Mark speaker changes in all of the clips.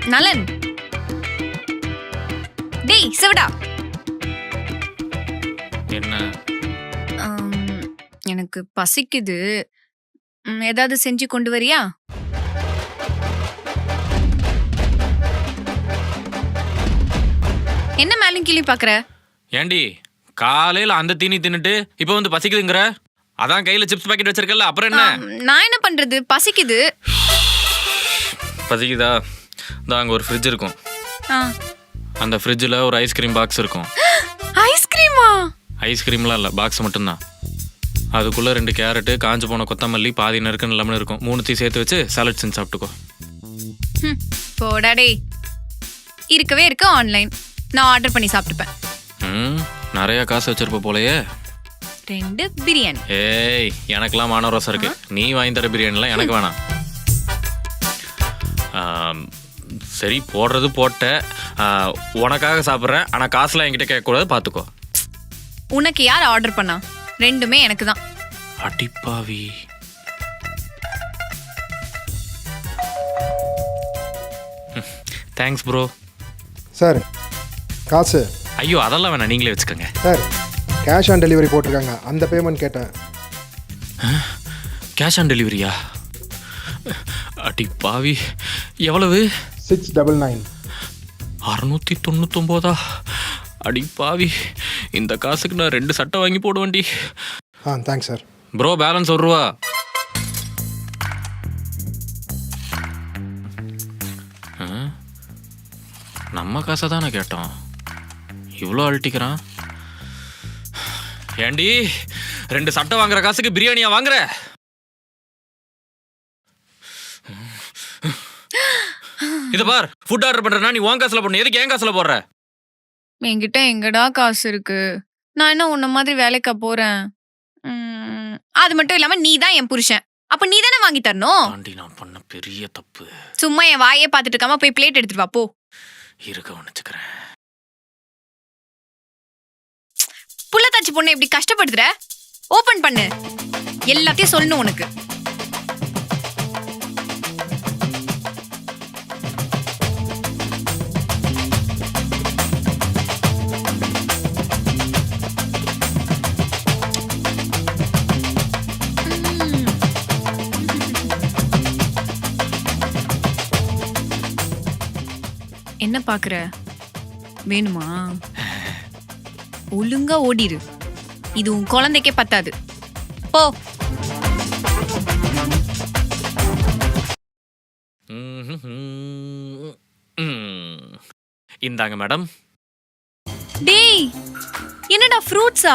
Speaker 1: நலன், டேய் சிவடா.
Speaker 2: என்ன?
Speaker 1: எனக்கு பசிக்குது. ஏதாவது செஞ்சு கொண்டு வரியா? என்ன மேலும் கீழே பாக்குற?
Speaker 2: ஏண்டி காலையில அந்த தீனி தின்னுட்டு இப்ப வந்து பசிக்குதுங்கற? அதான் கையில சிப்ஸ் பாக்கெட் வச்சிருக்கல, அப்புறம் என்ன?
Speaker 1: நான் என்ன பண்றது, பசிக்குது.
Speaker 2: பசிக்குதா? அங்க ஒரு ஃப்ரிட்ஜ் இருக்கும். அந்த ஃப்ரிட்ஜ்ல ஒரு ஐஸ்கிரீம் பாக்ஸ் இருக்கும்.
Speaker 1: ஐஸ்கிரீமா?
Speaker 2: ஐஸ்கிரீம்லாம் இல்ல, பாக்ஸ் மட்டும்தான். அதுக்குள்ள 2 கேரட், காஞ்சு போன கொத்தமல்லி, பாதி நறுக்குன்னு லெமன் இருக்கும். 3 சேர்த்து வச்சு சாலட் செஞ்சு சாப்பிட்டுக்கோ.
Speaker 1: போடா டேய். இருக்கவே இருக்கு ஆன்லைன். நான் ஆர்டர் பண்ணி சாப்பிட்டுப்பேன்.
Speaker 2: நிறைய காசு வச்சிருப்ப போலயே.
Speaker 1: 2 பிரியாணி.
Speaker 2: ஏய், எனக்கெல்லாம் மானரோசம் இருக்கு. நீ வாங்கி தர பிரியாணிலாம் எனக்கு வேணாம். சரி, போடுறது போட்ட. உனக்காக சாப்பிட்றேன், ஆனால் காசுலாம் என்கிட்ட கேட்கக்கூடாது, பார்த்துக்கோ.
Speaker 1: உனக்கு யார் ஆர்டர் பண்ணா? 2மே எனக்கு தான்.
Speaker 2: அடிப்பாவி. Thanks bro.
Speaker 3: சார் காசு?
Speaker 2: ஐயோ அதெல்லாம் வேணாம், நீங்களே வச்சுக்கோங்க.
Speaker 3: சார் கேஷ் ஆன் டெலிவரி போட்டிருக்காங்க, அந்த பேமெண்ட் கேட்டேன்.
Speaker 2: கேஷ் ஆன் டெலிவரியா? அடிப்பாவி. எவ்வளவு?
Speaker 3: 699.
Speaker 2: 699. அடிப்பாவி, இந்த காசுக்கு நான் 2 சட்டை வாங்கி போடுவேன்டி.
Speaker 3: Thanks sir.
Speaker 2: ப்ரோ பேலன்ஸ் 1 ரூபா. நம்ம காசை தானே கேட்டோம், இவ்வளோ அழட்டிக்கிறான். ஏண்டி 2 சட்டை வாங்குற காசுக்கு பிரியாணியா வாங்குற? இத பார், ஃபுட் ஆர்டர் பண்றேன்னா நீ உன் காசுல போடணும், எதுக்கு என் காசுல போடுற?
Speaker 1: என்கிட்ட எங்கடா காசு இருக்கு? நான் என்ன உன்ன மாதிரி வேலைக்கா போறேன்? அது மட்டும் இல்லாம நீ தான் என் புருஷன், அப்ப நீ தானே வாங்கி தரணும்.
Speaker 2: நான் பண்ண பெரிய தப்பு.
Speaker 1: சும்மா என் வாயே பார்த்துட்டு இருக்காம போய் பிளேட் எடுத்துட்டு வா போ.
Speaker 2: இருக்க உனச்சுக்கிறேன்.
Speaker 1: புள்ளத்தாச்சி பொண்ணை இப்படி கஷ்டப்படுத்துற? ஓபன் பண்ணு, எல்லாத்தையும் சொல்லணும் உனக்கு. என்ன பாக்குற? வேணுமா? ஒழுங்கா ஓடிரு, இது உன் குழந்தைக்கே பத்தாது. போ.
Speaker 2: இந்தாங்க மேடம்.
Speaker 1: டேய், என்னடா ஃப்ரூட்ஸா?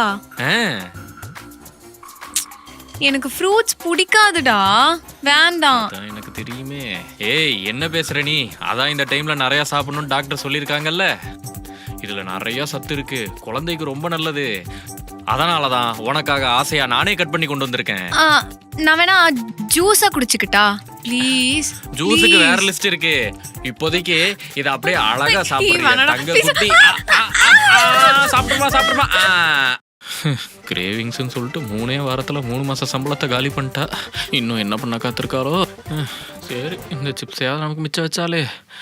Speaker 1: எனக்கு ஃப்ரூட்ஸ் பிடிக்காதுடா, வேண்டாம்.
Speaker 2: எனக்கு தெரியுமே. ஏய், என்ன பேசுற நீ? அதான் இந்த டைம்ல நிறைய சாப்பிடணும்னு டாக்டர் சொல்லியிருக்காங்கல்ல. இதுல நிறைய சத்து இருக்கு, குழந்தைக்கு ரொம்ப நல்லது. அதனாலதான் உனக்காக ஆசையா நானே கட் பண்ணி கொண்டு வந்திருக்கேன்.
Speaker 1: நான் வேணா ஜூஸா குடிச்சுக்கிட்டா? ப்ளீஸ்.
Speaker 2: ஜூஸுக்கு வேற லிஸ்ட் இருக்கு. இப்போதைக்கு இத அப்படியே அழகா சாப்பிடுறீங்க தங்க குட்டி. சாப்பிடுமா. கிரேவிங்ஸ்னு சொல்லிட்டு 3 வாரத்துல 3 மாச சம்பளத்தை காலி பண்ணிட்டா. இன்னும் என்ன பண்ண காத்திருக்காரோ. சரி, இந்த சிப்ஸையாவது நமக்கு மிச்சம் வச்சாலே.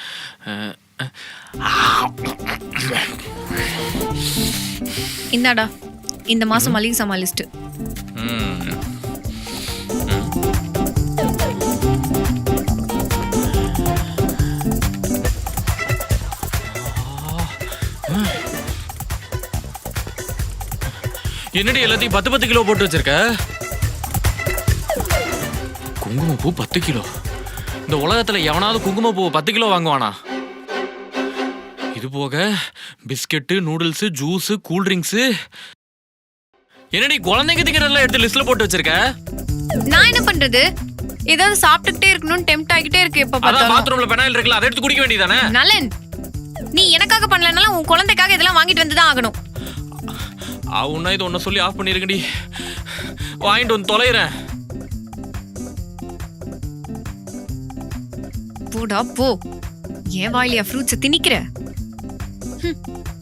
Speaker 1: இந்தாடா, இந்த மாசம் மளிகை சாமான் லிஸ்ட்.
Speaker 2: என்னடி எல்லாத்தையும் 10 கிலோ போட்டு வச்சிருக்க? குங்குமப்பூ 10 கிலோ? இந்த உலகத்துல எவனாவது குங்குமப்பூ 10 கிலோ வாங்குவானா? இது போக பிஸ்கெட்டு, நூடுல்ஸ், ஜூஸ், கூல்ட்ரிங்க்ஸ். என்னடி குழந்தைங்க திங்கிறதெல்லாம் எடுத்து லிஸ்ட்ல போட்டு வச்சிருக்க?
Speaker 1: நான் என்ன பண்றது, ஏதாவது சாப்பிட்டுட்டே இருக்கணும்னு டெம்ப்ட் ஆகிட்டே இருக்கு. எப்ப பார்த்தாலும்
Speaker 2: பாத்ரூம்ல பெனாயில் இருக்குல்ல, அதை எடுத்து குடிக்க வேண்டியதானே?
Speaker 1: நலன், நீ எனக்காக பண்ணலனாலும் உன் குழந்தைக்காக இதெல்லாம் வாங்கிட்டு வந்து தான் ஆகணும்.
Speaker 2: உன்ன இது ஒன்ன சொல்லி ஆஃப் பண்ணிருக்கடி, வாங்கிட்டு வந்து தொலைறேன்.
Speaker 1: போடா போ, ஏன் வாயிலியா ஃப்ரூட்ஸ் திணிக்கிற?